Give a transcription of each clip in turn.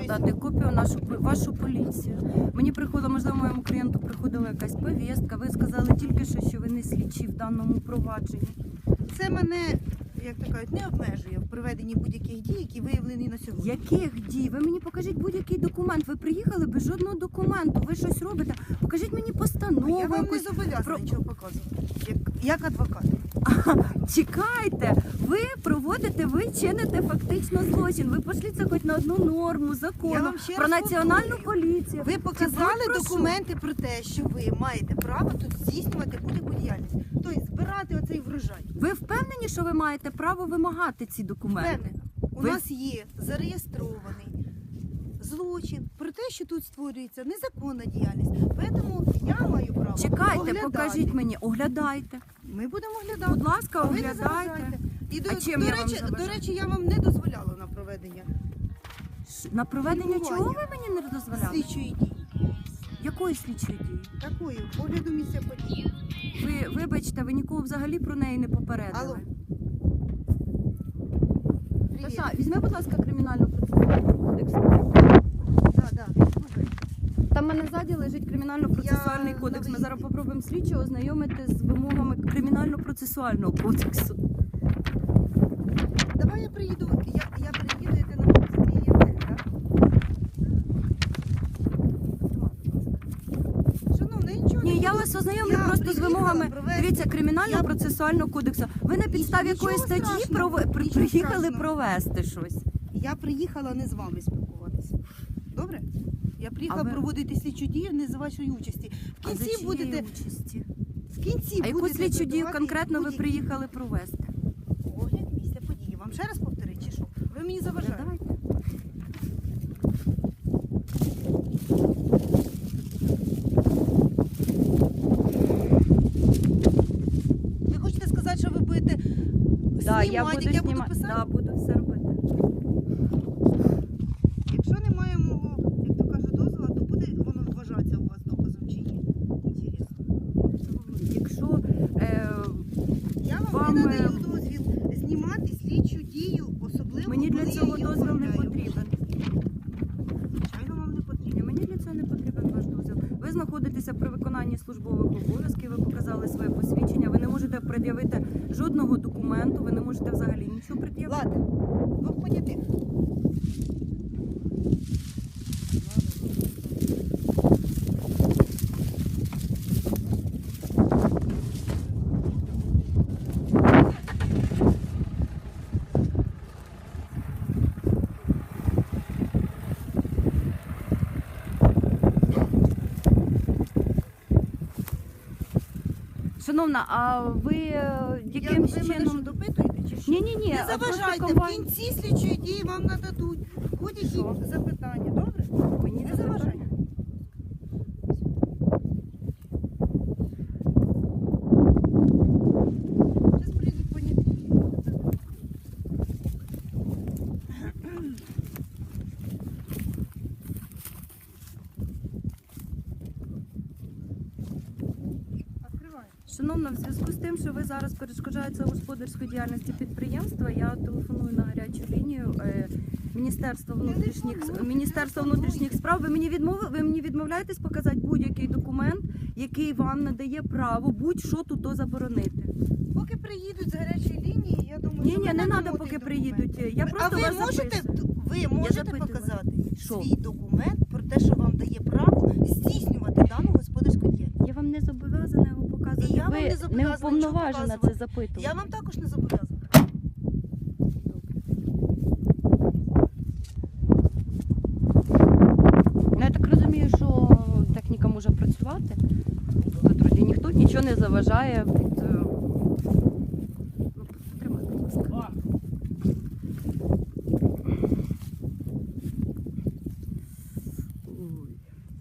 надати копію вашу поліцію. Мені приходила, можливо, моєму клієнту приходила якась повістка. Ви сказали тільки що ви не слідчі в даному провадженні. Це мене, як то кажуть, не обмежує в проведенні будь-яких дій, які виявлені на сьогодні. Яких дій? Ви мені покажіть будь-який документ. Ви приїхали без жодного документу. Ви щось робите. Покажіть мені постанову. Я вам не якусь. зобов'язана нічого показувати, як адвокат. Чекайте, ви чините фактично злочин. Ви пошліться хоч на одну норму Я закону вам ще про раз національну повторюю. поліцію. Ви показали про що? документи про те, що ви маєте право тут здійснювати будь-яку діяльність. Тобто збирати оцей врожай. Ви впевнені, що ви маєте право вимагати ці документи? Впевнена. У Ви- нас є зареєстрований злочин про те, що тут створюється незаконна діяльність. Тому я маю право Чекайте, оглядати. покажіть мені, оглядайте. Ми будемо оглядати. Будь ласка, А ви не оглядайте. заважайте. І А чим я вам до заважаю? речі, я вам не дозволяла на проведення На проведення Фільмування. чого ви мені не дозволяли? слідчої дії. Якої слідчої дії? Такої, огляду місця події. Ви, вибачте, ви нікого взагалі про неї не попередили. Алло. Привіт. Таша, візьми, будь ласка, кримінальну процесуальний кодекс. Да. Слухай. Там в мене ззаді лежить кримінально-процесуальний Я кодекс. Ми на зараз виїзді. попробуємо слідчого ознайомити з вимогами кримінально-процесуального кодексу. Давай я приїду, я приїду, і ти на вулиці Євгенія, так? Шановна, нічого Ні, не я буду. вас ознайомлю Я просто з приїхала вимогами. провести- Дивіться, кримінально-процесуального кодексу. Ви на підставі Нічого якої статті страшного, нічого приїхали страшного. провести щось? Я приїхала не з вами спілкуватися. Добре? Я приїхала А ви- проводити слідчу дію не за вашої участі. В А за кінці чиєї будете. участі? В кінці А яку будете слідчу дію задавати конкретно ви будь-які приїхали провести? огляд місця події. Вам ще раз повторити, чи що? Ви мені заважаєте. Давайте. Ви хочете сказати, що ви будете знімати, як я буду писати? Да, буду все робити. Якщо немає мого, як то кажуть, дозволу, то буде воно вважатися у вас доказом чи ні? Інтересно. Якщо Я вам Вам, не надаю дозвіл знімати слідчу дію, особливо мені для коли цього я її дозвіл не оформляю. потрібен. Звичайно, вам не Ні, потрібен. мені для цього не потрібен ваш дозвіл. Ви знаходитеся при виконанні службових обов'язків, ви показали своє посвідчення, ви не можете пред'явити жодного документу, ви не можете взагалі нічого пред'явити. Ладно, двох понятих. Шановна, а ви яким Ви мене що, чином... допитуєте чи що? Ні, Не заважайте, в кінці слідчої дії вам нададуть будь-які Що? запитання, добре? Мені Не заважайте. Зараз прийдуть поняті. Відкривай. Шановна, в зв'язку з тим, що ви зараз перешкоджаєте господарської діяльності підприємства, я телефоную на гарячу лінію Міністерства внутрішніх справ. Ви мені відмовляєтесь показати будь-який документ, який вам надає право будь-що тут заборонити. Поки приїдуть з гарячої лінії, я думаю, Ні, що ви не надамо треба, той поки документ. приїдуть. Я просто А ви вас можете, записую. запитую. показати Що? свій документ про те, що вам дає право здійснювати дану господарську діяльність? Я вам не зобов'язана його показувати. І я вам Ви не зобов'язана не уповноважена нічого це показувати. запитувати. Я вам також не зобов'язана. Ну, я так розумію, що техніка може працювати. Тут вроді ніхто нічого не заважає. Ну, потримай, будь ласка. Ой.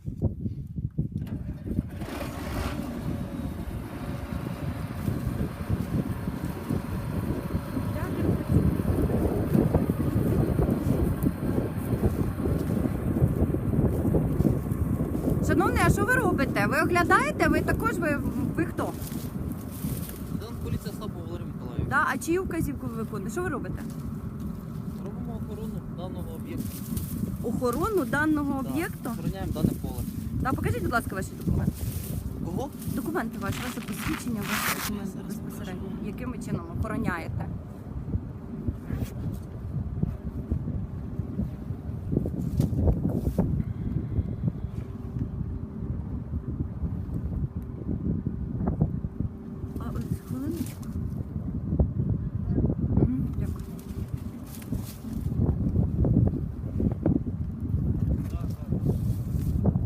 Шановний, а що ви робите? Ви оглядаєте? Ви також ви хто? Лейтенант поліція Слабо Валерій Миколаївич. Да? А чию вказівку ви виконуєте? Що ви робите? Робимо охорону даного об'єкту. охорону даного Да, об'єкту? Охороняємо дане поле. Да, покажіть, будь ласка, ваші документи. Кого? Документи ваші, ваше посвідчення, ваші документи Зараз безпосередньо. Яким ви чином охороняєте? А ось хвилиночку.